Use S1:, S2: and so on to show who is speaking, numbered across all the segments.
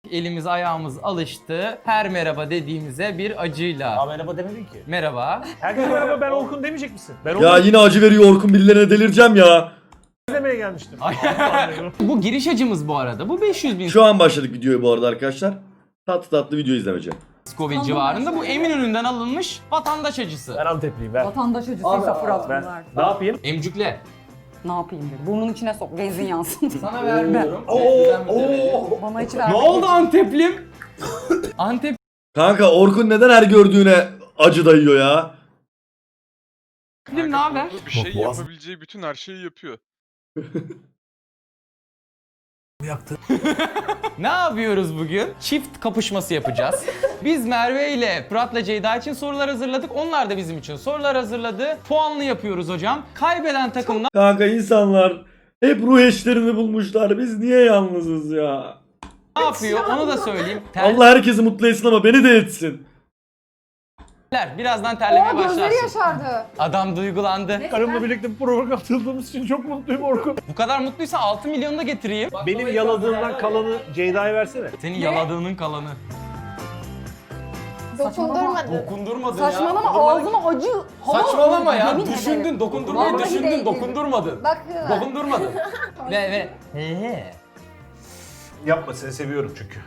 S1: Elimiz ayağımız alıştı. Her merhaba dediğimize bir acıyla.
S2: Aa, merhaba demedin ki.
S1: Merhaba.
S2: Herkese merhaba, ben Orkun demeyecek misin? Ben
S3: Ya yine acı veriyor Orkun, birilerine delireceğim ya.
S2: demeye gelmiştim.
S1: Bu giriş acımız bu arada. Bu 500 bin
S3: Şu an başladık videoyu bu arada arkadaşlar. Tatlı tatlı video izlemeyeceğim.
S1: Scoville civarında. Bu Eminönü'nden alınmış vatandaş acısı.
S2: Ben Antepliyim, ver.
S4: Vatandaş acısıysa Fırat
S2: Ben
S4: bunlar.
S2: ne yapayım?
S1: Emcükle.
S4: Ne yapayım dedi. Burnun içine sok, benzin yansın.
S1: Sana vermiyorum.
S4: Bana hiç
S1: Ne
S4: verme.
S1: oldu Anteplim? Anteplim
S3: Kanka Orkun neden her gördüğüne acı dayıyor ya?
S1: ne haber?
S5: Bir şey
S2: Boğaz-
S5: yapabileceği bütün her şeyi yapıyor.
S1: Ne yapıyoruz bugün? Çift kapışması yapacağız. Biz Merve ile Fırat'la Ceyda için sorular hazırladık. Onlar da bizim için sorular hazırladı. Puanlı yapıyoruz hocam. Kaybeden takım
S3: Kanka insanlar hep ruh eşlerini bulmuşlar. Biz niye yalnızız ya?
S1: ne yapıyor onu da söyleyeyim.
S3: Allah herkesi mutlu etsin ama beni de etsin.
S1: Terler. Birazdan terlemeye
S4: Gözleri
S1: başlarsın.
S4: yaşardı.
S1: Adam duygulandı.
S2: Karımla birlikte bu programa katıldığımız için çok mutluyum Orkun.
S1: Bu kadar mutluysa 6 milyonu da getireyim.
S2: Benim yaladığımdan kalanı Ceyda'ya versene.
S1: Senin yaladığının kalanı.
S6: Dokundurmadı.
S1: Dokundurmadın
S4: Saçmalama, ağzıma acı. hava
S1: Saçmalama ya.
S4: yemin
S1: Düşündün.
S4: ederim.
S1: Dokundurmayı
S4: Vallahi
S1: düşündün.
S4: değdi.
S1: Dokundurmadın.
S6: Bak.
S1: Dokundurmadın. ve.
S2: Yapma, seni seviyorum çünkü.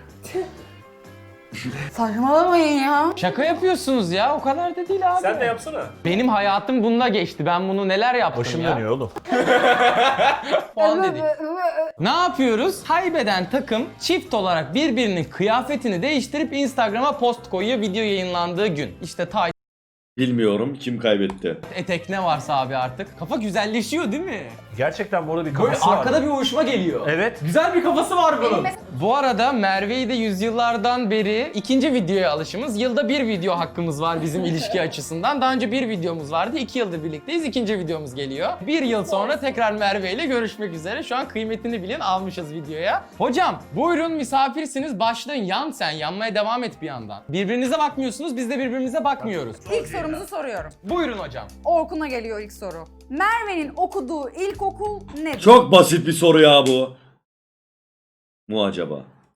S4: Saçmalamayın ya.
S1: Şaka yapıyorsunuz ya. O kadar da değil abi.
S2: Sen de yapsana.
S1: Benim hayatım bununla geçti. Ben bunu neler yaptım
S2: Başım
S1: ya.
S2: dönüyor oğlum.
S1: Puan dedik. Ne yapıyoruz? Kaybeden takım çift olarak birbirinin kıyafetini değiştirip Instagram'a post koyuyor video yayınlandığı gün. İşte tay,
S3: Bilmiyorum kim kaybetti.
S1: etek ne varsa abi artık. Kafa güzelleşiyor değil mi?
S2: Gerçekten bu arada bir
S1: Böyle
S2: kafası var.
S1: arkada bir uyuşma geliyor.
S2: Evet.
S1: Güzel bir kafası var bunun. Bu arada Merve'yi de yüzyıllardan beri ikinci videoya alışımız. Yılda bir video hakkımız var bizim ilişki açısından. Daha önce bir videomuz vardı. 2 yıldır birlikteyiz. İkinci videomuz geliyor. 1 yıl sonra tekrar Merve ile görüşmek üzere. Şu an kıymetini bilin, almışız videoya. Hocam buyurun misafirsiniz. Başlayın. Yan sen. Yanmaya devam et bir yandan. Birbirinize bakmıyorsunuz. Biz de birbirimize bakmıyoruz.
S4: İlk sorumuzu soruyorum.
S1: Buyurun hocam.
S4: Orkun'a geliyor ilk soru. Merve'nin okuduğu ilkokul nedir?
S3: Çok basit bir soru ya bu. Mu acaba?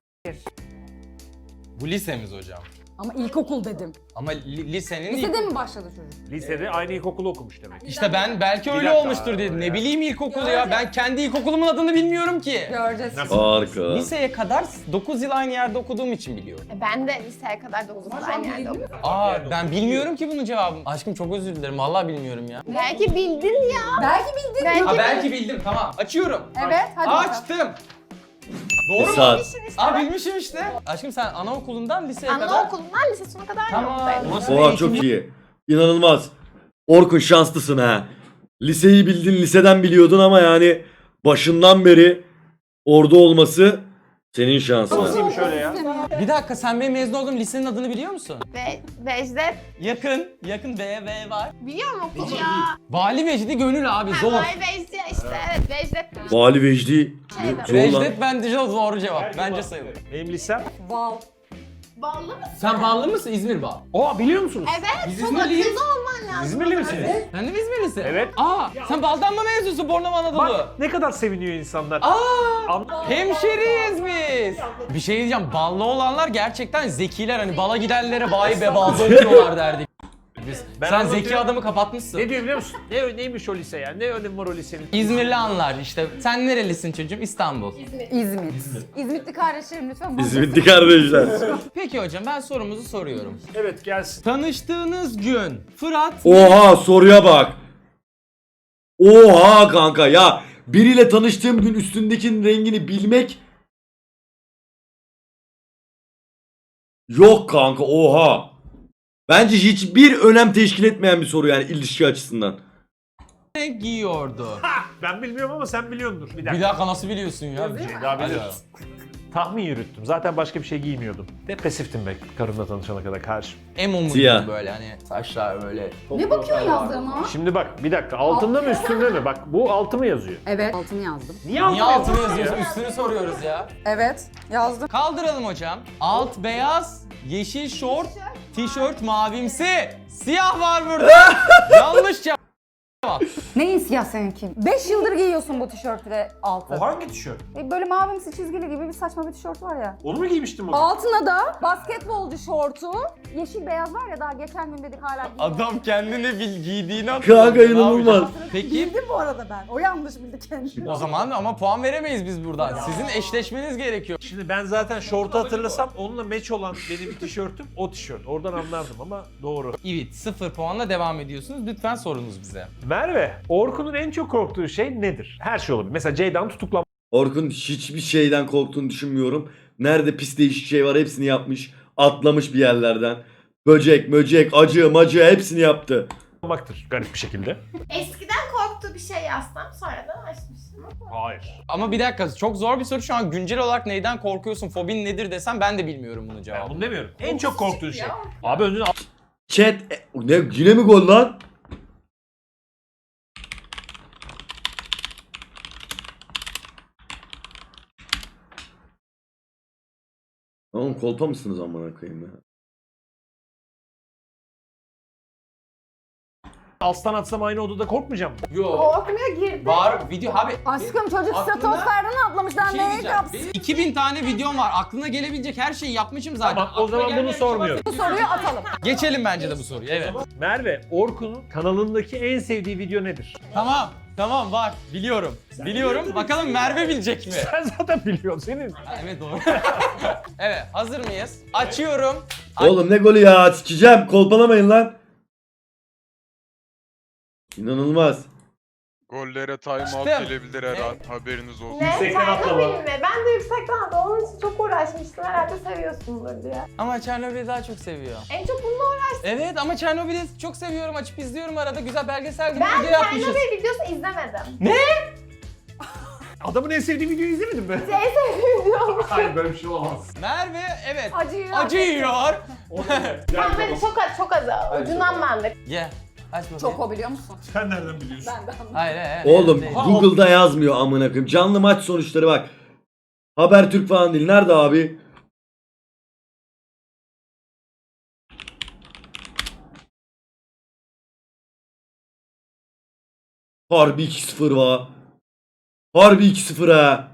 S1: Bu lisemiz hocam.
S4: Ama ilkokul dedim.
S1: Ama lisenin
S4: Lisede mi başladı çocuk?
S2: Lisede aynı ilkokulu okumuş demek.
S1: İşte ben belki
S2: Bir
S1: öyle
S2: dakika
S1: olmuştur diye.
S2: abi
S1: Ne
S2: ya.
S1: bileyim ilkokul ya. Ben kendi ilkokulumun adını bilmiyorum ki.
S4: Göreceğiz.
S3: Harika.
S1: Liseye kadar 9 yıl aynı yerde okuduğum için biliyorum.
S6: Ben de liseye kadar da uzun aynı yerde okudum.
S1: Aa ben bilmiyorum ki bunun cevabını. Aşkım çok özür dilerim. Vallahi bilmiyorum ya.
S6: Belki bildin ya.
S4: Belki bildin.
S6: Belki
S1: Ha belki bildim. Tamam. Açıyorum.
S4: Evet, hadi bakalım.
S1: Açtım.
S3: Bir
S1: Doğru mu?
S3: saat.
S1: Aa bilmişim işte. Aşkım sen anaokulundan liseye kadar.
S6: Anaokulundan lise sonuna kadar
S1: Tamam.
S6: yoktaydım.
S1: Nasıl
S3: Oha çok iyi. İnanılmaz. Orkun şanslısın ha. Liseyi bildin, liseden biliyordun ama yani başından beri orada olması senin şansın.
S2: Nasılmış öyle ya?
S1: Bir dakika sen benim mezun olduğum lisenin adını biliyor musun?
S6: Ve Vejdet
S1: Yakın V var.
S6: biliyor mu okul ya?
S1: Vali Vecdi Gönül abi zor.
S6: Vay Vejdet işte evet Vejdet.
S3: Vali Vecdi. Zor lan.
S1: Vecdet bence doğru cevap. Bence sayılır.
S2: Benim lisem.
S4: Val.
S6: Ballı mısın?
S1: Sen bağlı mısın İzmir bağ?
S2: Aa, biliyor musunuz?
S6: Evet.
S1: Biz
S6: çok
S1: İzmirliyiz.
S6: akıllı olman lazım.
S2: İzmirli misiniz?
S1: Sen de mi İzmirlisin?
S2: Evet.
S1: Aa sen baldan mı mezunsun Bornova Anadolu?
S2: Bak ne kadar seviniyor insanlar.
S1: Aa hemşeriyiz biz. Bir şey diyeceğim ballı olanlar gerçekten zekiler hani bala gidenlere bayi be balda okuyorlar derdik. Biz.
S2: Ben
S1: Sen
S2: anlatıyorum.
S1: zeki adamı kapatmışsın.
S2: Ne diyor biliyor musun? Neymiş o lise ya? Ne önemi var o lisenin?
S1: İzmirli anlar işte. Sen nerelisin çocuğum? İstanbul.
S4: İzmit. İzmitli kardeşlerim lütfen.
S3: İzmitli kardeşler.
S1: Peki hocam ben sorumuzu soruyorum.
S2: Evet, gelsin.
S1: Tanıştığınız gün Fırat
S3: Oha soruya bak. Oha kanka ya. Biriyle tanıştığım gün üstündekinin rengini bilmek. Yok kanka oha. Bence hiçbir önem teşkil etmeyen bir soru yani ilişki açısından.
S1: ne giyiyordu?
S2: Ben bilmiyorum ama sen biliyordur. Bir dakika.
S1: Bir dakika nasıl biliyorsun ya?
S2: Daha biliyorsun. Tahmin yürüttüm. Zaten başka bir şey giymiyordum. Depresiftim be karımla tanışana kadar karşı.
S1: Emo mu
S3: Siyah.
S1: böyle hani saçlar böyle.
S4: Ne bakıyorsun yazdığıma?
S2: Şimdi bak bir dakika, altında mı üstünde mi? Bak bu altı mı yazıyor?
S4: Evet. Altını yazdım.
S2: Niye
S1: Niye altını
S2: yazıyorsun
S1: yazıyorsun?
S2: ya?
S1: Üstünü soruyoruz ya.
S4: Evet. Yazdım.
S1: Kaldıralım hocam. Alt beyaz, yeşil şort, tişört mavimsi. Siyah var burada. Yanlış cevap.
S4: Neyin siyah seninki? 5 yıldır giyiyorsun bu tişörtü ve altı.
S2: O hangi tişört?
S4: Böyle mavimsi çizgili gibi bir saçma bir tişört var ya.
S2: Onu mu giymiştim o?
S4: Altına da basketbolcu şortu, yeşil beyaz var ya daha geçen gün dedik hala giyiyor.
S1: Adam kendini giydiğini
S3: Kanka inanılmaz.
S1: Peki
S4: Bildim bu arada ben. O yanlış bildi kendini.
S1: o zaman ama puan veremeyiz biz buradan. Sizin eşleşmeniz gerekiyor.
S2: Şimdi ben zaten şortu hatırlasam onunla match olan benim tişörtüm o tişört. Oradan anlardım ama doğru.
S1: Evet, 0 puanla devam ediyorsunuz. Lütfen sorunuz bize.
S2: Merve, Orkun'un en çok korktuğu şey nedir? Her şey olabilir. Mesela Ceyda'nın tutuklanması
S3: Orkun hiçbir şeyden korktuğunu düşünmüyorum. Nerede pis değişik şey var hepsini yapmış. Atlamış bir yerlerden. Böcek, möcek, acı, macı hepsini yaptı.
S2: olmaktır garip bir şekilde.
S6: Eskiden korktuğu bir şey yazsam sonradan açmıştım.
S2: Hayır.
S1: Ama bir dakika, çok zor bir soru. Şu an güncel olarak neyden korkuyorsun, fobin nedir desem ben de bilmiyorum bunun
S2: Ben
S1: cevabını.
S2: bunu demiyorum. En çok korktuğun şey.
S6: Ya.
S2: Abi önüne
S3: Chat ne yine mi gol lan? Oğlum kolpa mısınız amına koyayım ya?
S2: alstan atsam aynı odada korkmayacağım mı?
S1: Yok.
S6: Korkmuyor girdi.
S1: Var video abi.
S4: Aşkım çocuk
S1: Aklına-
S4: stratosferden atlamış daha
S1: Bir şey
S4: neye
S1: diyeceğim.
S4: kapsın?
S1: Benim 2000 tane videom var. Aklına gelebilecek her şeyi yapmışım zaten.
S2: Tamam, o
S1: Aklına
S2: zaman bunu
S1: gelmeyen bir şey
S2: sormuyorum.
S1: varsa-
S4: Bu soruyu atalım.
S1: Geçelim bence de bu soruyu. Evet.
S2: Merve, Orkun'un kanalındaki en sevdiği video nedir?
S1: Tamam var. Biliyorum. Biliyorum. Bakalım Merve bilecek mi?
S2: Sen zaten biliyorsun senin.
S1: Ha, evet doğru. Evet, hazır mıyız? Açıyorum.
S3: Oğlum ne golü ya sikeceğim kolpalamayın lan. İnanılmaz.
S5: Gollere time out
S1: Açtım.
S5: gelebilir her an. Haberiniz olsun.
S6: Ne?
S2: Yüksekten atlama.
S6: Çernobil mi? Ben de yüksekten atladım. Onun için çok uğraşmıştım. Herhalde seviyorsundur diye.
S1: Ama Çernobil'i daha çok seviyor.
S6: En çok bununla uğraştım.
S1: Evet ama Çernobil'i çok seviyorum. Açıp izliyorum arada. Güzel belgesel gibi
S6: Ben
S1: video yapmışız.
S6: Çernobil videosu izlemedim.
S2: Adamın en sevdiği videoyu izlemedin mi?
S6: En sevdiğim video.
S2: Hayır böyle bir şey olamaz.
S1: Merve evet.
S4: Acı yiyor.
S6: Ben böyle çok az. Ucundan ben de.
S1: Ye. Aç bakayım.
S4: Çok o biliyor musun?
S2: Sen nereden biliyorsun?
S4: Ben de anladım.
S1: Hayır.
S3: Oğlum
S1: değil.
S3: Google'da yazmıyor amına koyayım. Canlı maç sonuçları bak. Habertürk falan değil. Nerede abi? Harbi 2-0 va. Harbi 2-0 ha.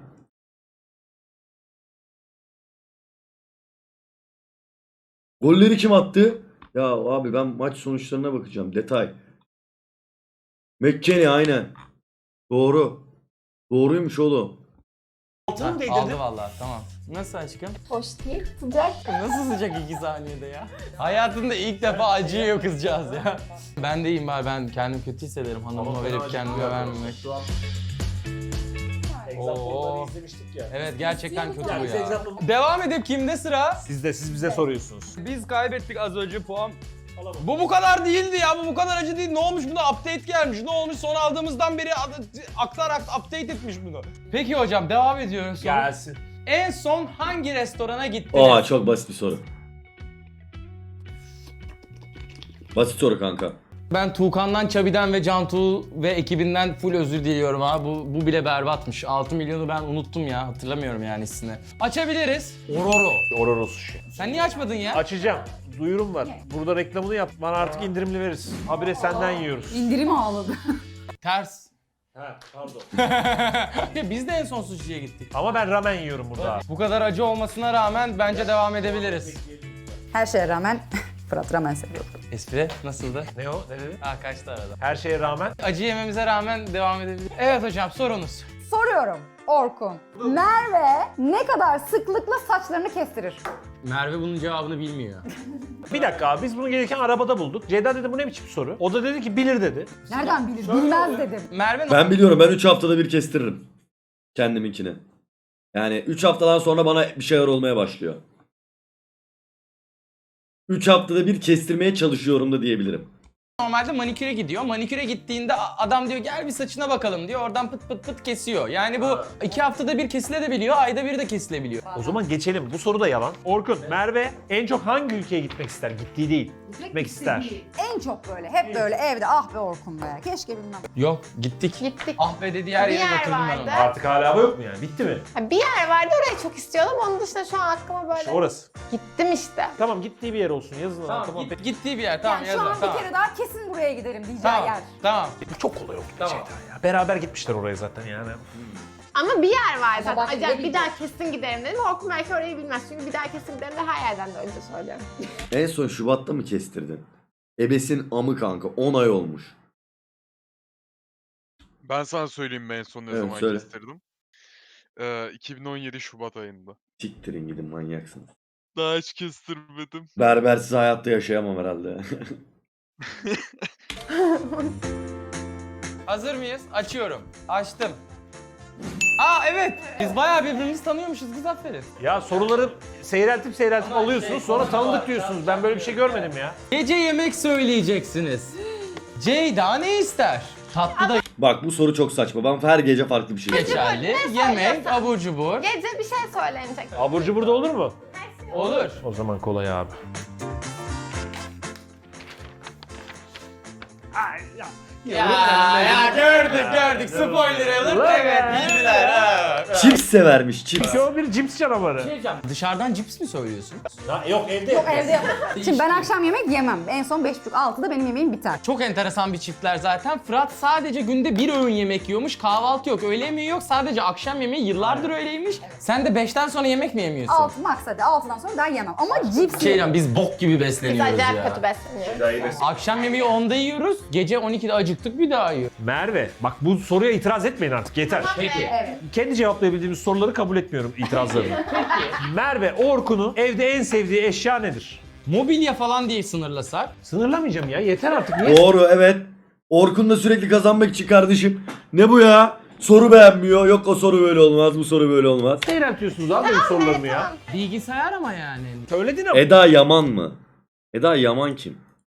S3: Golleri kim attı? Ya abi ben maç sonuçlarına bakacağım. Detay. McKennie aynen. Doğru. Doğruymuş oğlum.
S2: Altını mı değdirdin?
S1: Aldı vallahi tamam. Nasıl aşkım?
S6: Hoş değil. Sıcak.
S1: Nasıl sıcak 2 saniyede ya? Hayatında ilk defa acıyor kızcağız ya. Ben de iyiyim bari, ben kendimi kötü hissederim hanımıma verip kendime vermemek. Oo.
S2: izlemiştik ya.
S1: Evet gerçekten kötü bu
S2: Yani
S1: ya.
S2: example-
S1: Devam edip kimde sıra?
S2: Siz bize soruyorsunuz.
S1: Biz kaybettik az önce puan. Bu kadar değildi ya, bu kadar acı değil. Ne olmuş buna? Update gelmiş. Ne olmuş? Son aldığımızdan beri aktar update etmiş bunu. Peki hocam devam ediyoruz.
S2: Gelsin.
S1: En son hangi restorana gittiniz?
S3: Aa çok basit bir soru. Basit soru kanka.
S1: Ben Tuğkan'dan, Çabi'den ve Cantu ve ekibinden full özür diliyorum ha. Bu bile berbatmış. 6 milyonu ben unuttum ya. Hatırlamıyorum yani ismini. Açabiliriz. Ororo.
S2: Ororo sushi.
S1: Sen niye açmadın ya?
S2: Açacağım. Duyurum var. Burada reklamını yap. Bana artık indirimli veririz. Habire senden yiyoruz.
S4: İndirim ağladı.
S1: Ters.
S2: He pardon.
S1: Biz de en son sushi'ye gittik.
S2: Ama ben ramen yiyorum burada.
S1: Bu kadar acı olmasına rağmen bence devam edebiliriz.
S4: Her şeye rağmen Fırat ramen seviyor.
S1: Espri nasıldı?
S2: Ne o? Ne dedi?
S1: Kaçtı arada.
S2: Her şeye rağmen.
S1: Acı yememize rağmen devam edebiliriz. Evet hocam sorunuz.
S4: Soruyorum Orkun. Merve ne kadar sıklıkla saçlarını kestirir?
S1: Merve bunun cevabını bilmiyor.
S2: Bir dakika abi biz bunu gelirken arabada bulduk. Ceyda dedi bu ne biçim soru? O da dedi ki bilir dedi.
S4: Nereden bilir? Bilmez dedim.
S1: Merve
S3: Ben biliyorum, ben 3 haftada bir kestiririm. Kendiminkini. Yani 3 haftadan sonra bana bir şeyler olmaya başlıyor. 3 haftada bir kestirmeye çalışıyorum da diyebilirim.
S1: normalde maniküre gidiyor. Maniküre gittiğinde adam diyor gel bir saçına bakalım diyor. Oradan pıt pıt pıt kesiyor. Yani bu 2 haftada bir kesilebiliyor, ayda bir de kesilebiliyor.
S2: O zaman geçelim. Bu soru da yalan. Orkun, Merve en çok hangi ülkeye gitmek ister? Gittiği değil. Gitmek ister.
S4: En çok böyle, hep böyle evde ah be Orkun be. Keşke bilmem.
S1: Yok gittik.
S6: Gittik.
S1: Ah be dediği her
S6: Bir
S1: yere
S6: yer
S1: götürdüm ben onu.
S6: vardı.
S2: Artık hala bu yok mu yani? Bitti mi?
S6: Ha, bir yer vardı orayı çok istiyordum. Onun dışında şu an aklıma böyle
S2: İşte orası.
S6: gittim işte.
S2: Tamam gittiği bir yer olsun. Yazın ona. Tamam.
S1: Gittiği bir yer tamam
S4: Yani şu
S1: yazın
S4: an
S1: tamam.
S4: bir kere daha kesin buraya giderim diyeceği
S1: Tamam.
S4: yer.
S1: Tamam.
S2: Çok kolay oldu
S1: Tamam.
S2: gerçekten ya. Beraber gitmişler oraya zaten yani.
S6: Ama bir yer var zaten.
S4: bak,
S6: Acayip
S4: ne
S6: bir daha kesin giderim dedim. Orkun belki orayı bilmez. Çünkü bir daha kesin giderim de her yerden de önce söylüyorum.
S3: En son Şubat'ta mı kestirdin? Ebesin amı kanka 10 ay olmuş.
S5: Ben sana söyleyeyim mi en son ne
S3: Evet,
S5: zaman
S3: söyle.
S5: kestirdim? 2017 Şubat ayında.
S3: Siktirin gidin manyaksınız.
S5: Daha hiç kestirmedim.
S3: Berbersiz hayatta yaşayamam herhalde.
S1: Hazır mıyız? Açıyorum. Açtım. Aa evet. Biz bayağı birbirimizi tanıyormuşuz kız aferin.
S2: Ya soruları seyreltip alıyorsunuz sonra tanıdık diyorsunuz. Ben böyle bir şey görmedim ya.
S1: Gece yemek söyleyeceksiniz. Ceyda ne ister? Tatlı da
S3: Bak bu soru çok saçma. Ben her gece farklı bir şey istiyorum.
S1: geçerli. Yemek, abur cubur.
S6: Gece bir şey söylenecek.
S2: Abur cubur da olur mu?
S1: Olur.
S2: O zaman kolay abi.
S1: Ya gördük. Spoiler alert. Evet bildiler ha.
S3: Chips severmiş chips.
S2: Çünkü o bir cips canavarı.
S1: Dışarıdan cips mi söylüyorsun?
S2: Yok evde.
S4: Yok evde yapalım. Şimdi ben akşam yemek yemem. En son 5.30-6'da benim yemeğim biter.
S1: Çok enteresan bir çiftler zaten. Fırat sadece günde bir öğün yemek yiyormuş. Kahvaltı yok, öğle yemeği yok. Sadece akşam yemeği yıllardır öyleymiş. Sen de 5'ten sonra yemek mi yemiyorsun?
S4: 6 max hadi 6'dan sonra ben yemem. Ama cips
S1: Şeyden biz bok gibi
S6: Biz
S1: besleniyoruz
S6: acayip
S1: ya.
S6: kötü besleniyoruz.
S1: Akşam yemeği 10'da yiyoruz. Gece 12'de acıktık bir daha yiyoruz.
S2: Merve bak bu soruya itiraz etmeyin artık yeter.
S1: Peki.
S4: Evet.
S2: Kendi cevaplayabildiğimiz soruları kabul etmiyorum itirazlarını. Merve Orkun'un evde en sevdiği eşya nedir?
S1: Mobilya falan diye sınırlasak.
S2: Sınırlamayacağım ya yeter artık. Niye?
S3: Doğru evet. Orkun da sürekli kazanmak için kardeşim. Ne bu ya? Soru beğenmiyor. Yok o soru böyle olmaz, bu soru böyle olmaz.
S2: Seyreltiyorsunuz abi benim sorularımı ya.
S1: Bilgisayar ama yani.
S2: Söyledin ama.
S3: Eda Yaman mı? Eda Yaman kim?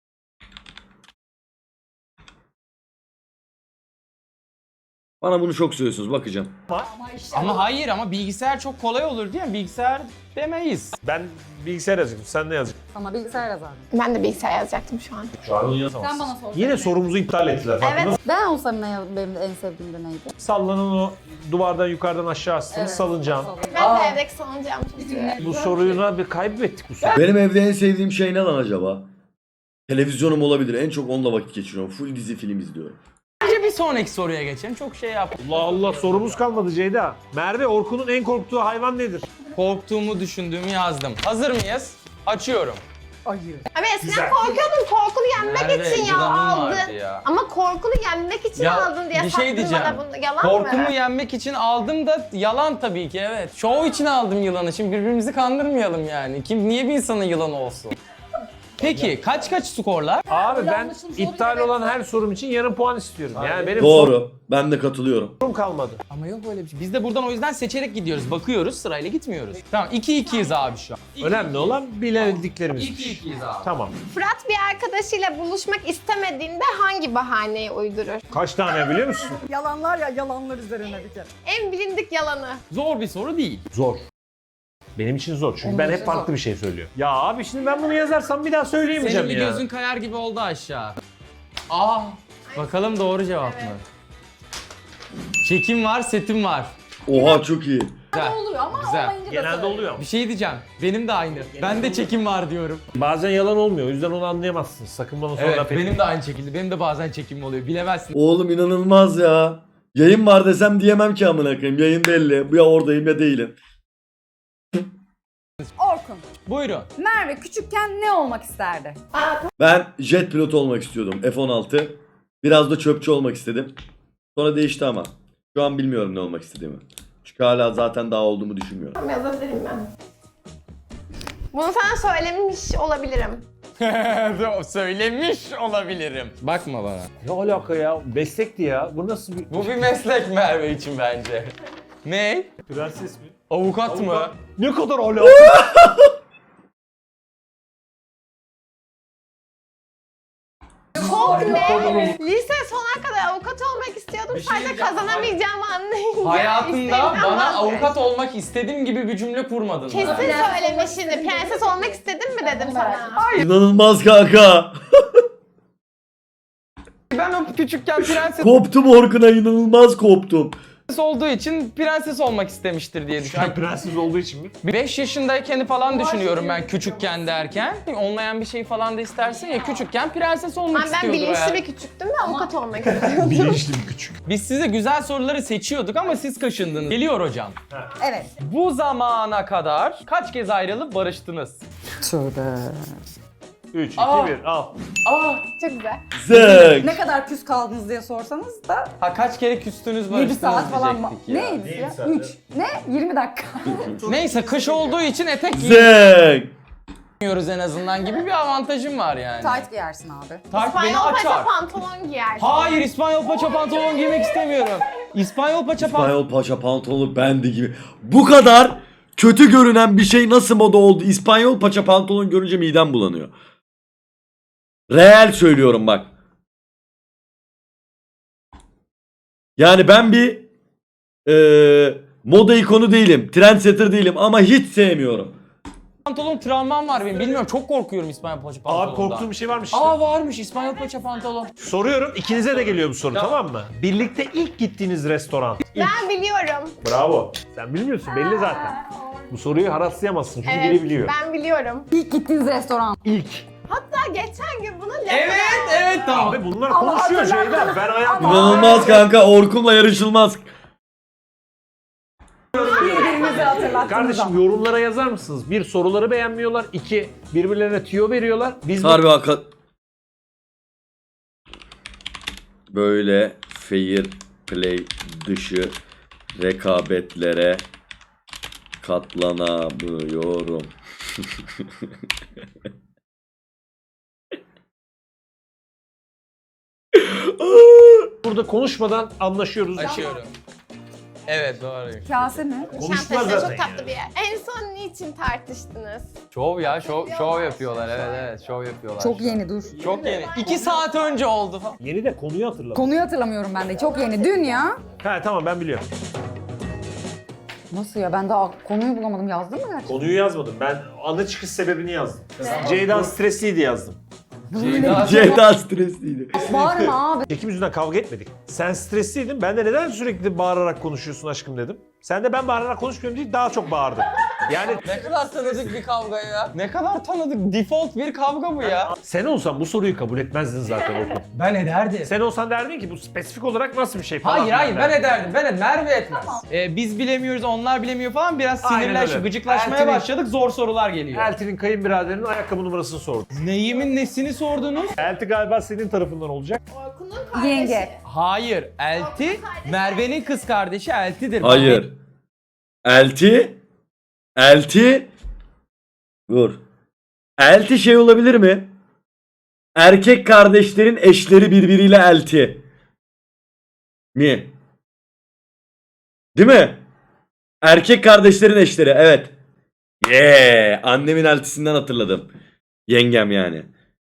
S3: Bana bunu çok söylüyorsunuz bakacağım.
S1: Ama hayır ama bilgisayar çok kolay olur diye bilgisayar demeyiz.
S2: Ben bilgisayar yazacaktım. Sen ne yazacaksın?
S4: Sana bilgisayar yazardım.
S6: Ben de bilgisayar yazacaktım şu an.
S2: Şu an yazamazsın.
S4: Sen bana sor.
S2: Yine sorumuzu iptal ettiler. farkında
S6: Evet.
S2: mısın?
S4: Ben olsam benim de en sevdiğim de neydi?
S2: Sallanan o duvardan yukarıdan aşağı astınız salıncağın.
S6: Ben de evdeki salıncağımı çok seviyorum.
S2: Bu soruyu bir kaybettik bu soruyu.
S3: Benim evde en sevdiğim şey ne lan acaba? Televizyonum olabilir. En çok onunla vakit geçiriyorum. Full dizi film izliyorum.
S1: Bence bir sonraki soruya geçelim. Çok şey yap.
S2: Allah Allah sorumuz kalmadı Ceyda. Merve Orkun'un en korktuğu hayvan nedir?
S1: Korktuğumu düşündüğümü yazdım. Hazır mıyız? Açıyorum.
S4: Ayı.
S6: Abi eskiden korkuyordum korkunu yenmek
S1: Nerede?
S6: için ya
S1: Yılanım
S6: aldın.
S1: vardı ya.
S6: Ama korkunu yenmek için
S1: Ya,
S6: aldın diye
S1: bir şey
S6: sattın
S1: diyeceğim.
S6: bana bunu. Yalan
S1: Korkumu
S6: mı?
S1: yenmek için aldım da yalan tabii ki evet. Şov için aldım yılanı. Şimdi birbirimizi kandırmayalım yani. Kim niye bir insanın yılanı olsun? Peki kaç skorlar?
S2: Abi ben
S4: Yanlışım soru
S2: iptal
S4: evet.
S2: olan her sorum için yarım puan istiyorum. Yani benim
S3: Doğru. Ben de katılıyorum.
S2: sorum kalmadı.
S1: Ama yok öyle bir şey. Biz de buradan o yüzden seçerek gidiyoruz. Bakıyoruz sırayla gitmiyoruz. Tamam 2-2'yiz abi şu an.
S2: Önemli olan bilebildiklerimizmiş.
S1: 2-2'yiz abi.
S2: Tamam.
S6: Fırat bir arkadaşıyla buluşmak istemediğinde hangi bahaneyi uydurur?
S2: Kaç tane biliyor musun?
S4: Yalanlar ya yalanlar üzerine bir kere.
S6: En bilindik yalanı.
S1: Zor bir soru değil.
S2: Zor. Benim için zor çünkü
S4: Benim
S2: ben
S4: için
S2: hep farklı
S4: zor.
S2: bir şey söylüyor. Ya abi şimdi ben bunu yazarsam bir daha
S1: Senin
S2: söyleyemeyeceğim
S1: bir
S2: ya.
S1: gözün kayar gibi oldu aşağı. Aa, bakalım doğru cevap mı? Çekim var, setim var.
S3: Oha çok iyi.
S1: Güzel.
S4: Oluyor ama
S1: Güzel.
S4: olmayınca da
S2: Genelde
S4: söylüyor.
S2: oluyor ama.
S1: Bir şey diyeceğim. Benim de aynı. Ben de çekim var diyorum.
S2: Bazen yalan olmuyor o yüzden onu anlayamazsınız. Sakın bana sonra
S1: Evet,
S2: laf etmeyin.
S1: benim de aynı şekilde. Benim de bazen çekim oluyor. Bilemezsin.
S3: Oğlum inanılmaz ya. Yayın var desem diyemem ki amına koyayım. Yayın belli. Bu ya oradayım ya değilim.
S4: Orkun,
S1: Buyurun.
S4: Merve küçükken ne olmak isterdi?
S3: Ben jet pilotu olmak istiyordum. F-16. Biraz da çöpçü olmak istedim. Sonra değişti ama. Şu an bilmiyorum ne olmak istediğimi. Çünkü hala zaten daha olduğumu düşünmüyorum.
S6: Yazabilirim ben. Bunu sana söylemiş olabilirim.
S1: Söylemiş olabilirim. Bakma bana.
S2: Ne alaka ya? Meslekti ya. Bu nasıl bir...
S1: Bu bir meslek Merve için bence. Ne?
S2: Prenses mi?
S1: Avukat mı?
S2: Ne kadar alaka?
S6: Çok ne? Lise sona kadar avukat olmak istiyordum.
S1: Bir şey
S6: Sadece
S1: diyeceğim.
S6: kazanamayacağımı anlayınca.
S1: Hayatında
S6: isteğimden
S1: bana
S6: vazgeçtim.
S1: avukat olmak istediğim gibi bir cümle kurmadın.
S6: Kesin
S1: bana.
S6: söylemiş şimdi. Prenses olmak istedin mi dedim sana.
S3: İnanılmaz kanka.
S1: Ben o küçükken prenses
S3: Koptum Orkun'a inanılmaz koptum.
S1: olduğu için prenses olmak istemiştir diye düşünüyorum.
S2: Prenses olduğu için mi?
S1: 5 yaşındayken falan düşünüyorum ben küçükken derken. Olmayan bir şey falan da istersin ya, küçükken prenses olmak
S6: Ben
S1: istiyordur
S6: bilinçli
S1: yani.
S6: bir küçüktüm ve avukat olmak istiyordum.
S2: Bilinçli bir küçük.
S1: Biz size güzel soruları seçiyorduk ama siz kaşındınız. Geliyor hocam.
S4: Evet.
S1: Bu zamana kadar kaç kez ayrılıp barıştınız?
S2: 3, 2,
S1: Aa.
S2: 1 al.
S6: Çok güzel.
S3: Zek.
S4: Ne kadar küs kaldınız diye sorsanız da
S1: Ha, kaç kere küstünüz
S4: 7
S1: barıştınız
S4: saat falan
S1: diyecektik ya.
S4: Neydi ya?
S2: saat,
S4: 3. Ne? 20 dakika.
S1: Neyse, kış olduğu için etek
S3: Zek.
S1: giymiyoruz en azından gibi bir avantajım var yani.
S4: Tight giyersin abi.
S1: Tight beni
S6: İspanyol paça
S1: açar.
S6: pantolon giyersin.
S1: Hayır, İspanyol paça pantolon giymek istemiyorum. İspanyol paça pantolon...
S3: İspanyol paça pantolonu bendi gibi. Bu kadar kötü görünen bir şey nasıl moda oldu? İspanyol paça pantolon görünce midem bulanıyor. Real söylüyorum bak. Yani ben bir moda ikonu değilim. Trendsetter değilim ama hiç sevmiyorum.
S1: Pantolon travmam var benim. Bilmiyorum, çok korkuyorum İspanyol paça pantolondan.
S2: Abi korktuğum bir şey varmış işte.
S1: Aa, varmış İspanyol paça pantolon.
S2: Soruyorum, ikinize de geliyor bu soru, tamam mı? Birlikte ilk gittiğiniz restoran.
S6: Ben biliyorum.
S2: Bravo. Sen bilmiyorsun, belli zaten. Bu soruyu haratlayamazsın çünkü biri biliyor.
S6: Ben biliyorum.
S4: İlk gittiğiniz restoran.
S2: İlk.
S6: Hatta geçen gün bunu
S1: Evet tamam.
S2: Abi bunlar konuşuyor Ceyda. Ben hayatımda...
S3: İnanılmaz kanka. Orkun'la yarışılmaz.
S4: Birbirinizi hatırlattınız.
S2: Kardeşim yorumlara yazar mısınız? Bir, soruları beğenmiyorlar. İki, birbirlerine tüyo veriyorlar. Biz bu-
S3: Harbi hakikat. Böyle fair play dışı rekabetlere katlanamıyorum.
S2: burada konuşmadan anlaşıyoruz.
S1: Açıyorum. Evet, doğru.
S4: Kase mi?
S2: Konuştular
S6: Nişantaşı
S2: zaten
S6: çok tatlı
S2: yani.
S6: bir yer. En son niçin tartıştınız?
S1: Şov ya, şov yapıyorlar. Evet, şov yapıyorlar.
S4: Çok yeni dur.
S1: Çok yeni. 2 saat önce oldu falan.
S2: Yeni de konuyu hatırladım.
S4: Konuyu hatırlamıyorum ben de. Çok yeni. Dün ya.
S2: Ha tamam, ben biliyorum.
S4: Nasıl ya? Ben daha konuyu bulamadım. Yazdın mı gerçekten?
S2: Konuyu yazmadım. Ben ana çıkış sebebini yazdım. Ceyda stresliydi yazdım.
S3: Ceyda stresliydi.
S4: Bağırma abi.
S2: Çekim yüzünden kavga etmedik. Sen stresliydin. Ben de neden sürekli bağırarak konuşuyorsun aşkım dedim. Sen de ben bağırarak konuşmuyorum değil, daha çok bağırdın. Yani
S1: Ne kadar tanıdık bir kavga ya. Ne kadar tanıdık. Default bir kavga bu ya.
S2: sen olsan bu soruyu kabul etmezdin zaten Orkun.
S1: Ben ederdim.
S2: Sen olsan derdin ki bu spesifik olarak nasıl bir şey falan.
S1: Hayır ben
S2: derdin.
S1: ederdim. Merve etmez. Biz bilemiyoruz, onlar bilemiyor falan. Biraz
S2: Aynen öyle.
S1: gıcıklaşmaya
S2: Elti'nin-
S1: başladık. Zor sorular geliyor.
S2: Elti'nin kayınbiraderinin ayakkabı numarasını sordu.
S1: Neyimin nesini sordunuz?
S2: Elti galiba senin tarafından olacak.
S6: Orkun'un kardeşi.
S4: Yenge.
S1: Hayır. Elti, Merve'nin kız kardeşi Elti'dir.
S3: Hayır. Elti. Dur. Elti şey olabilir mi? Erkek kardeşlerin eşleri birbiriyle elti. Mi? Değil mi? Erkek kardeşlerin eşleri, evet. Annemin eltisinden hatırladım. Yengem yani.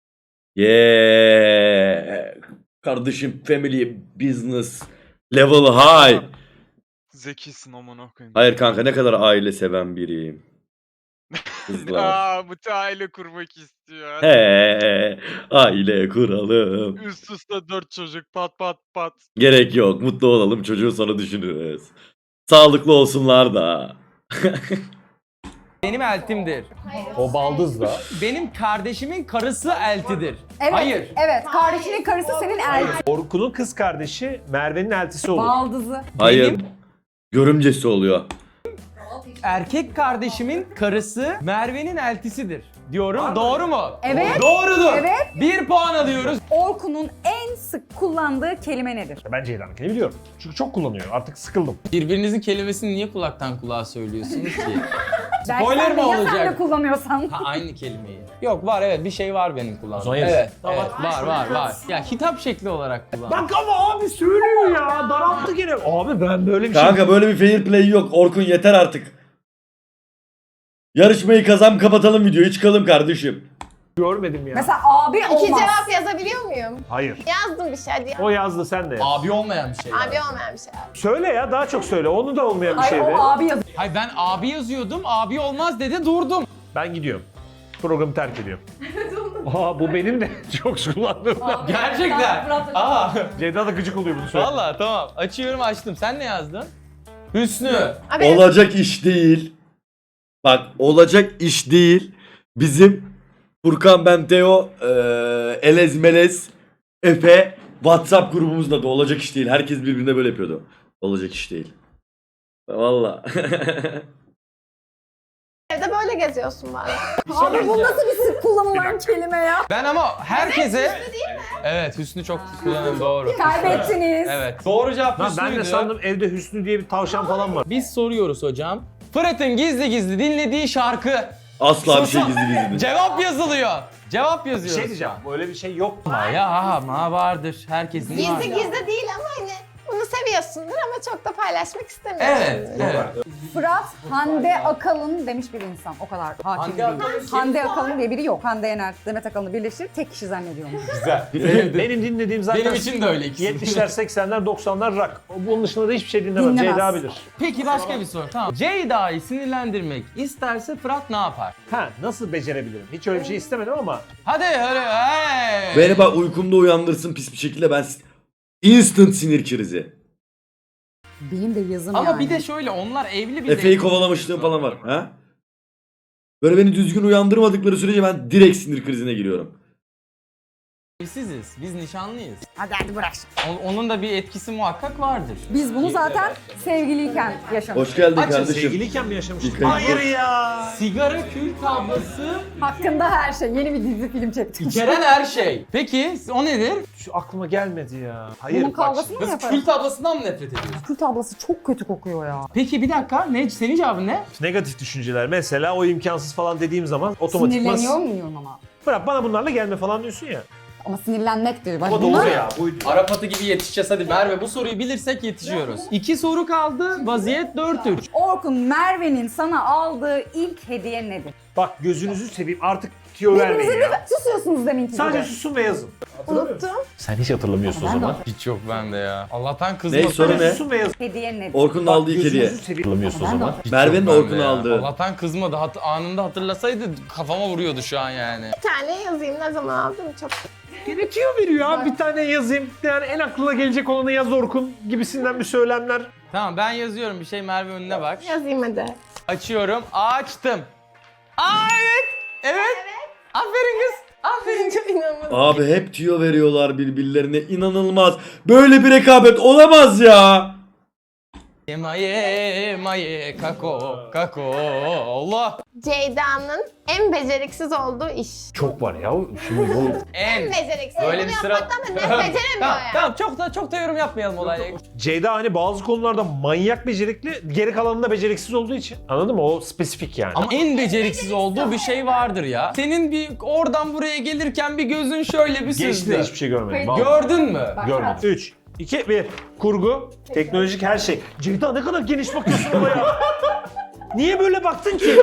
S3: Kardeşim family business level high.
S5: Zekisin amına koyayım.
S3: Hayır kanka, ne kadar aile seven biriyim. Kızlar.
S5: Aa, bu aile kurmak istiyor.
S3: He, aile kuralım.
S5: Üst üste 4 çocuk pat pat pat.
S3: Gerek yok. Mutlu olalım. Çocuğu sonra düşünürüz. Sağlıklı olsunlar da.
S1: Benim Eltim'dir.
S2: O baldız da.
S1: Benim kardeşimin karısı Elti'dir.
S4: Evet.
S1: Hayır.
S4: Evet. Kardeşinin karısı senin elti.
S2: Orkun'un kız kardeşi Merve'nin eltisi olur.
S4: Baldızı.
S3: Hayır.
S1: Benim-
S3: Görümcesi oluyor.
S1: Erkek kardeşimin karısı Merve'nin eltisidir. Diyorum. Doğru mu?
S4: Evet.
S1: Doğrudur.
S4: Evet.
S1: 1 puan alıyoruz.
S4: Orkun'un en sık kullandığı kelime nedir?
S2: Ben Ceyda'nınkini biliyorum. Çünkü çok kullanıyor. Artık sıkıldım.
S1: Birbirinizin kelimesini niye kulaktan kulağa söylüyorsunuz ki?
S4: Belki
S1: Spoiler
S4: sen de-
S1: mi
S4: ya sen
S1: olacak?
S4: de kullanıyorsan.
S1: Ha, aynı kelimeyi. Yok, var, evet, bir şey var benim kullandığım.
S2: zaman yarısı.
S1: Evet, evet, var. Ya hitap şekli olarak kullandım.
S2: Bak ama abi söylüyor ya. Daralttı gene. Abi ben böyle bir şey...
S3: Kanka böyle bir fair play yok. Orkun yeter artık. Yarışmayı kapatalım videoyu, çıkalım kardeşim.
S2: görmedim ya.
S4: Mesela abi
S6: İki
S4: olmaz.
S6: cevap yazabiliyor muyum?
S2: Hayır.
S6: Yazdım bir şey hadi.
S2: O yazdı, sen de yaz.
S1: Abi olmayan bir şey.
S6: Abi olmayan bir şey.
S2: Söyle ya, daha çok söyle. Onu da olmayan bir
S4: Ay
S2: şeydi.
S4: o abi yazıyor.
S1: Hayır, ben abi yazıyordum, abi olmaz dedi, durdum.
S2: Ben gidiyorum. Programı terk ediyorum. Aa bu benim de çok kullandığım.
S1: Gerçekten. Aa.
S2: Ceyda da gıcık oluyor bunu söyle.
S1: Valla tamam. Açıyorum açtım. Sen ne yazdın? Hüsnü.
S6: Abi
S3: Olacak iş değil. Bak olacak iş değil. Bizim Furkan, ben, Teo, Elez Melez, Efe WhatsApp grubumuzda da olacak iş değil. Herkes birbirine böyle yapıyordu. Olacak iş değil. Valla.
S6: evde böyle geziyorsun bari.
S4: Abi bu nasıl bir sık kullanılan kelime ya?
S1: Ben ama herkese... Evet Hüsnü çok kullanıyorum doğru.
S4: Kaybettiniz.
S1: Evet. Doğru cevap
S2: Lan
S1: Hüsnü'ydü.
S2: ben de sandım evde Hüsnü diye bir tavşan falan var.
S1: Biz soruyoruz hocam. Fırat'ın gizli gizli dinlediği şarkı.
S3: Asla bir şey gizli gizli değil.
S1: Cevap yazılıyor. Cevap
S2: Bir
S1: yazıyoruz.
S2: şey diyeceğim. Böyle bir şey yok.
S1: Ama vardır. Herkesin var.
S6: Gizli gizli değil ama hani bunu seviyorsundur ama çok da paylaşmak istemiyorsun.
S1: Evet, evet.
S4: Fırat Hande Akalın demiş bir insan. O kadar hakim
S1: Hande
S4: değil.
S1: Akalın kim?
S4: Hande Akalın diye biri yok. Hande Yener, Demet Akalın'ı birleştirip tek kişi zannediyorum.
S1: Güzel.
S2: Benim dinlediğim zaten
S1: Benim için de öyle ikisi.
S2: 70'ler, 80'ler, 90'lar rock. Bunun dışında da hiçbir şey dinlemem.
S4: Dinlemez.
S2: Ceyda bilir.
S1: Peki başka bir soru. Tamam. Ceyda'yı sinirlendirmek isterse Fırat ne yapar?
S2: Ha nasıl becerebilirim? Hiç öyle bir şey istemedim ama
S1: Hadi hey.
S3: Beni bak uykumda uyandırsın pis bir şekilde ben instant sinir krizi.
S4: Benim de yazım
S1: Ama
S4: yani.
S1: bir de şöyle onlar evli bir
S3: Efe'yi kovalamışlığım falan var. Ha? Böyle beni düzgün uyandırmadıkları sürece ben direkt sinir krizine giriyorum.
S1: evsiziz. Biz nişanlıyız.
S4: Hadi bırak.
S1: Onun da bir etkisi muhakkak vardır.
S4: Biz bunu zaten sevgiliyken yaşamıştık.
S3: Hoş geldin
S1: Açın
S3: kardeşim.
S2: sevgiliyken mi yaşamıştık?
S3: İlk
S2: Hayır
S3: ayıp.
S2: ya.
S1: Sigara kül tablası,
S4: Hakkında her şey. Yeni bir dizi film çektim.
S1: içeren her şey. Peki o nedir?
S2: Şu aklıma gelmedi ya. Hayır
S4: Bunun
S2: bak.
S4: kavgasını mı
S1: Kız
S4: yaparız?
S1: kül tablasından mı nefret ediyorsun?
S4: Kül tablası çok kötü kokuyor ya.
S1: Peki bir dakika. Ne? Senin cevabın ne?
S2: Negatif düşünceler. Mesela o imkansız falan dediğim zaman otomatikman...
S4: Sinirleniyor muyum ama?
S2: Bırak bana bunlarla gelme falan diyorsun ya.
S4: Ama sinirlenmektir. Bak
S2: Ama
S4: bunlar-
S2: doğru ya. Buydu.
S1: Arap atı gibi yetişeceğiz hadi Merve. Bu soruyu bilirsek yetişiyoruz. 2 soru kaldı. Vaziyet 4-3.
S4: Orkun, Merve'nin sana aldığı ilk hediye nedir?
S2: Bak gözünüzü seveyim artık tüyo vermeyin
S4: Birbirinize
S2: ya.
S4: susuyorsunuz deminki
S2: Sadece
S4: gibi.
S2: susun ve yazın.
S6: Unuttum.
S2: Sen hiç hatırlamıyorsun o
S4: Ben de
S2: zaman.
S1: Hiç yok bende ya. Allah'tan
S3: Ne
S1: kızmasın.
S3: soru
S2: Sadece
S3: ne?
S2: susun ve yazın.
S4: Hediye nedir?
S3: Orkun'un aldığı ilk hediye.
S2: Gözünüzü seveyim. Hatırlamıyorsun o
S4: Ben de
S2: zaman.
S1: Hiç
S3: Merve'nin
S1: yok bende
S3: Orkun'u
S1: ya.
S3: aldığı.
S1: Allah'tan kızmadı. Anında hatırlasaydı kafama vuruyordu şu an yani.
S6: Bir tane yazayım ne zaman aldım çok.
S2: Yine tüyo veriyor abi. Bir tane yazayım. Yani en aklına gelecek olanı yaz Orkun gibisinden bir söylemler.
S1: Tamam ben yazıyorum bir şey Merve önüne bak.
S6: Yazayım hadi.
S1: Açıyorum. Açtım. Aa evet. Evet. Aferin kız. Aferin.
S6: Çok inanılmaz.
S3: Abi hep tüyo veriyorlar birbirlerine, inanılmaz. Böyle bir rekabet olamaz ya.
S1: Maye kako kako Allah.
S6: Ceyda'nın en beceriksiz olduğu iş.
S2: Çok var ya. Şimdi bu
S6: En
S1: En
S6: beceriksiz.
S1: böyle
S6: Bunu
S1: bir sıra.
S6: yapmaktan da ne beceremiyor
S1: Tamam,
S6: ya.
S1: tamam çok da yorum yapmayalım olaya.
S2: Ceyda hani bazı konularda manyak becerikli, geri kalanında beceriksiz olduğu için. Anladın mı? O spesifik yani.
S1: Ama en beceriksiz olduğu bir şey vardır ya. Senin bir oradan buraya gelirken bir gözün şöyle bir
S2: Geçti de
S1: süzdü.
S2: hiçbir şey görmedim.
S4: Peki.
S2: Vallahi.
S1: Gördün mü?
S2: Görmedim. 3, 2, 1. Kurgu, teknolojik her şey. Ceyda ne kadar geniş bakıyorsun ama ya. Niye böyle baktın ki?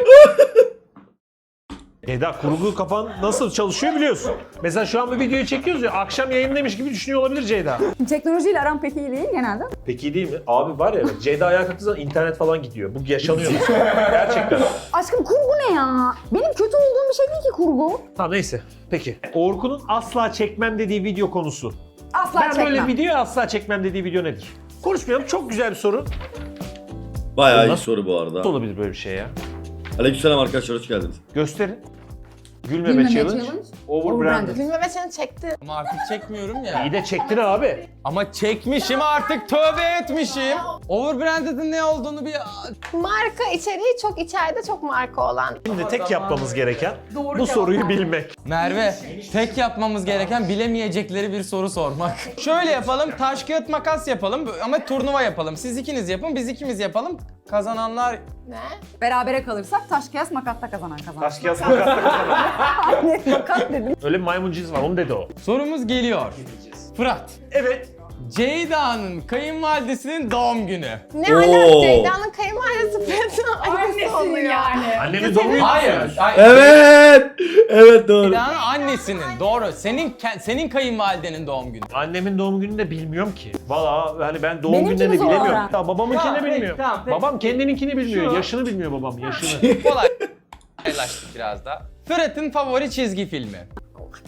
S2: Ceyda kurgu kafan nasıl çalışıyor biliyorsun. Mesela şu an bu videoyu çekiyoruz ya, akşam yayındaymış gibi düşünüyor olabilir Ceyda.
S4: Teknolojiyle aram pek iyi değil genelde.
S2: Peki iyi değil mi? Abi var ya, Ceyda ayağa kalktığı zaman internet falan gidiyor. Bu yaşanıyor. Gerçekten.
S4: Aşkım kurgu ne ya? Benim kötü olduğum bir şey değil ki kurgu.
S2: Tamam neyse. Peki. Orkun'un asla çekmem dediği video konusu.
S4: Asla
S2: Ben
S4: çekmem.
S2: böyle video asla çekmem dediği video nedir? Konuşmayalım. Çok güzel bir soru.
S3: Bayağı iyi
S2: Nasıl-
S3: soru bu arada.
S2: Nasıl olabilir böyle bir şey ya?
S3: Aleykümselam arkadaşlar, hoş geldiniz.
S2: Gösterin. Gülmeme,
S4: Gülmeme
S2: challenge.
S4: challenge.
S2: Overbranded.
S6: Gülmeme seni çekti.
S1: Ama artık çekmiyorum ya.
S2: İyi de çektin abi.
S1: Ama çekmişim artık tövbe etmişim. Overbranded'in ne olduğunu bir...
S6: Marka içeriği çok içeride çok marka olan.
S2: Şimdi tek yapmamız gereken
S4: Doğru
S2: bu
S4: cevap
S2: soruyu
S4: verdim.
S2: bilmek.
S1: Merve, tek yapmamız gereken bilemeyecekleri bir soru sormak. Şöyle yapalım, taş kağıt makas yapalım ama turnuva yapalım. Siz ikiniz yapın, biz ikimiz yapalım. Kazananlar...
S6: Ne?
S4: Berabere kalırsak taş kıyas makatta kazanan kazanan.
S2: Taş kağıt makas.
S4: Ne makat dedim.
S2: Öyle bir maymun cins var, onu dedi o.
S1: Sorumuz geliyor. Fırat,
S2: Evet.
S1: Ceyda'nın kayınvalidesinin doğum günü.
S6: Ne
S3: Oo.
S6: alaka Ceyda'nın kayınvalidesi Fırat'ın annesi oluyor.
S2: Annemin doğum günü.
S1: Hayır.
S3: Evet. Evet doğru.
S1: Ceyda'nın annesinin, doğru. Senin kayınvalidenin doğum günü.
S2: Annemin doğum gününü de bilmiyorum ki. Valla hani ben doğum
S4: Benimki
S2: günlerini
S4: mi zor
S2: bilemiyorum.
S4: öğren?
S2: Ya babamınkini
S1: Tamam,
S2: de
S1: peki,
S2: bilmiyor.
S1: tamam, peki.
S2: Babam kendininkini bilmiyor.
S1: Şu-
S2: Yaşını bilmiyor babam, yaşını.
S1: Kolay. Paylaştık biraz da. Fırat'ın favori çizgi filmi.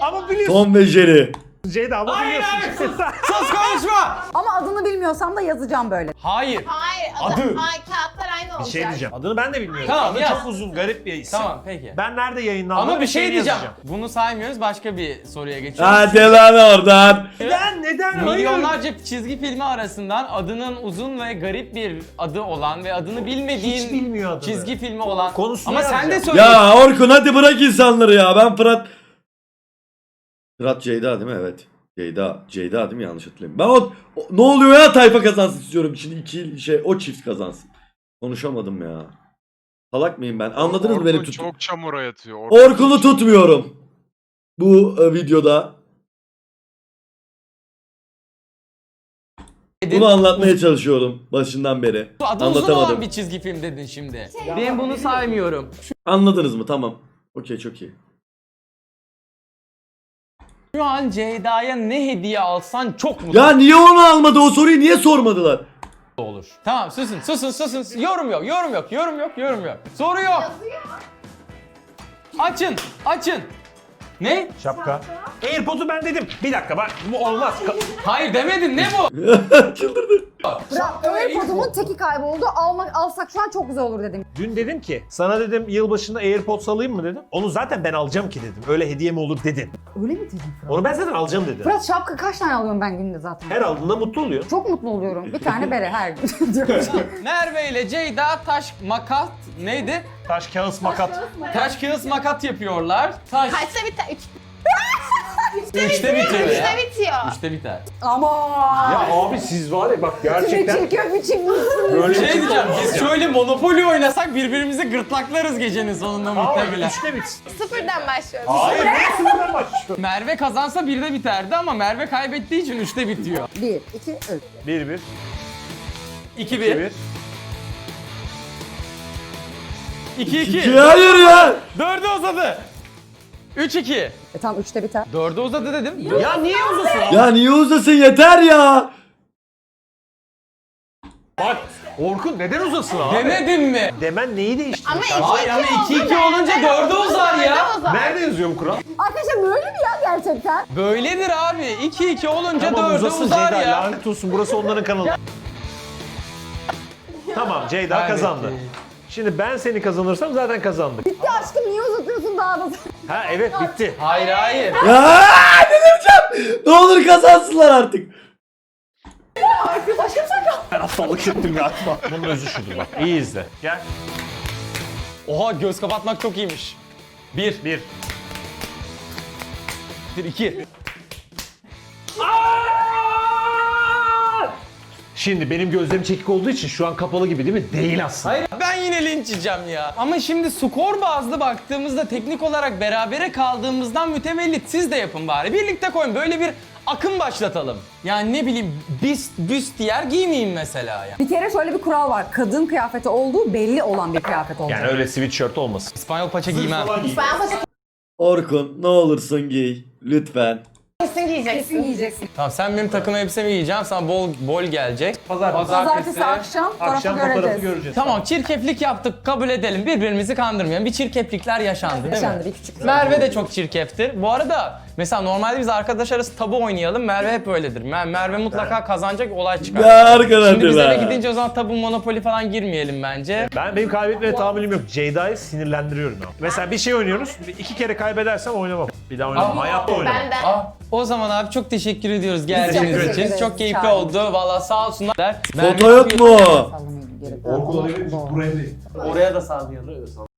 S2: Ama biliyorsun.
S3: Tom ve Jerry.
S2: Ceyda ama
S1: Hayır,
S2: biliyorsun.
S1: hayır, sus konuşma.
S4: Ama adını bilmiyorsam da yazacağım böyle.
S1: Hayır.
S6: Hayır.
S1: Adı.
S6: Ay kağıtlar aynı olacak.
S2: Bir şey diyeceğim. Adını ben de bilmiyorum.
S1: Tamam,
S2: Adı
S1: yaz.
S2: çok uzun, garip bir isim.
S1: Tamam peki.
S2: Ben nerede yayınlandım?
S1: Ama bir şey
S2: şeyini
S1: diyeceğim.
S2: yazacağım.
S1: Bunu saymıyoruz. Başka bir soruya geçiyoruz.
S3: Hadi lan oradan.
S2: Neden? Hayır.
S1: Milyonlarca çizgi filmi arasından adının uzun ve garip bir adı olan ve adını bilmediğin
S2: Hiç bilmiyor adını.
S1: çizgi filmi olan.
S2: Konusunu
S1: Ama sen de
S2: yazacağım.
S1: söyle.
S3: Ya Orkun hadi bırak insanları ya. Ben Fırat... Fırat Ceyda değil mi? Evet. Ceyda değil mi? Yanlış hatırlamıyorum. Ben ne oluyor ya, tayfa kazansın istiyorum. Şimdi o çift kazansın. Konuşamadım ya. Salak mıyım ben? Anladınız mı benim
S5: Orkun
S3: tuttum?
S5: çok çamura yatıyor.
S3: Orkun'u tutmuyorum. Bu videoda. Bunu anlatmaya çalışıyorum başından beri.
S1: Adı uzun olan
S3: Anlatamadım.
S1: bir çizgi film dedin şimdi. Ben bunu saymıyorum.
S3: Anladınız mı? Tamam. Okey, çok iyi.
S1: Şu an Ceyda'ya ne hediye alsan çok mutlu
S3: Ya niye onu almadı? O soruyu niye sormadılar?
S1: olur. Tamam susun. Yorum yok. Soru yok. Açın. Ne?
S2: Şapka. AirPod'u ben dedim. Bir dakika bak bu olmaz.
S1: Hayır demedin, ne bu?
S3: Çıldırdı.
S4: Bırak, AirPod'umun teki kayboldu. Alsak şu an çok güzel olur dedim.
S2: Dün dedim ki sana dedim yılbaşında AirPods alayım mı dedim. Onu zaten ben alacağım ki dedim. Öyle hediye mi olur dedin.
S4: Öyle mi dedin Fırat?
S2: Onu ben zaten alacağım dedim.
S4: Fırat şapka kaç tane alıyorum ben günde zaten?
S2: Her aldığında mutlu oluyor.
S4: Çok mutlu oluyorum. Bir tane bere her gün.
S1: Merve ile Ceyda taş makat neydi?
S2: Taş, kağıt, makat.
S1: Taş kağıt makat yapıyorlar. Taş.
S6: Kaçta biter?
S1: Üçte bitiyor ya.
S6: Üçte bitiyor.
S1: Üçte biter.
S4: Ama.
S2: Ya abi siz var ya bak gerçekten
S4: Çekiyor biçim.
S2: böyle
S1: Şey diyeceğim, biz şöyle Monopoly oynasak birbirimizi gırtlaklarız gecenin sonunda
S2: Ama
S1: muhtemelen.
S2: üçte bitsin.
S6: Sıfırdan başlıyoruz.
S2: Hayır ne sınırdan başlıyor.
S1: Merve kazansa 1'de biterdi ama Merve kaybettiği için 3'te bitiyor.
S4: 1, 2, 3.
S2: 1-1.
S1: 2-1. 2-2.
S3: İki, hayır ya.
S1: 4'e uzadı. 3-2.
S4: Tam 3'te biter.
S1: 4'e uzadı dedim.
S2: Ya niye uzasın abi?
S3: Ya niye uzasın, yeter ya.
S2: Bak Orkun neden uzasın abi?
S1: Demedim mi?
S2: Demen neyi değiştiriyor?
S6: Ama
S2: kardeşim?
S1: Hayır ama 2-2 olunca 4'e uzar ya.
S2: Nerede yazıyorum kural?
S4: Arkadaşlar böyle mi ya gerçekten?
S1: Böyledir abi. 2-2 olunca
S2: Tamam
S1: 4'e
S2: uzasın
S1: uzar
S2: Ceyda,
S1: ya.
S2: lanet olsun burası onların kanalı. Tamam Ceyda
S1: Kaybetti.
S2: kazandı. Şimdi ben seni kazanırsam zaten kazandık.
S4: Bitti aşkım, niye uzatıyorsun daha da?
S2: Ha evet bitti.
S1: Hayır.
S3: Ya delireceğim. Ne olur kazansınlar artık.
S2: Ben aptallık ettim galiba. Bunun özü şudur bak. İyi izle. Gel.
S1: Oha, göz kapatmak çok iyiymiş. 1,
S2: 1.
S1: 2.
S2: Şimdi benim gözlerim çekik olduğu için şu an kapalı gibi değil mi? Değil aslında.
S1: Hayır, ben yine linç yiyeceğim ya. Ama şimdi skor bazlı baktığımızda teknik olarak berabere kaldığımızdan mütevellit siz de yapın bari. Birlikte koyun, böyle bir akım başlatalım. Yani ne bileyim, büstiyer giymeyeyim mesela ya.
S4: Bir kere şöyle bir kural var. Kadın kıyafeti olduğu belli olan bir kıyafet olacak.
S2: Yani öyle sweatshirt olmasın.
S1: İspanyol paça giymem.
S6: Ben başka
S3: Orkun ne olursun giy. Lütfen.
S6: kesin giyeceksin.
S4: Kesin giyeceksin.
S1: Tamam, sen benim takım elbisemi giyeceksin, sana bol gelecek.
S4: Pazartesi akşam
S2: Akşam
S4: fotoğrafı
S2: fotoğrafı
S4: göreceğiz.
S2: göreceğiz.
S1: Tamam, çirkeflik yaptık, kabul edelim. Birbirimizi kandırmayalım. Bir çirkeflikler yaşandı değil mi?
S4: Yaşandı bir küçük.
S1: Merve de çok çirkeftir. Bu arada mesela normalde biz arkadaş arası tabu oynayalım. Merve hep öyledir. Merve mutlaka kazanacak, olay çıkar.
S3: Ya arkadaşlar.
S1: Şimdi biz eve gidince o zaman tabu, monopoli falan girmeyelim bence.
S2: Benim kaybetmeye tahammülüm yok. Ceyda'yı sinirlendiriyorum ya. Mesela bir şey oynuyoruz. 2 kere kaybedersem oynamam. Bir daha oynamam. Hayatta oynamam.
S6: Benden.
S1: O zaman abi çok teşekkür ediyoruz
S4: çok
S1: geldiğiniz
S4: teşekkür
S1: için.
S4: ederiz.
S1: Çok keyifli
S4: Sağ olun.
S1: oldu. Valla sağ olsunlar.
S3: Foto yok mu?
S4: Sallamayın gerek.
S2: Orkun olabilir. Buraya değil.
S1: Oraya da sağlayalım.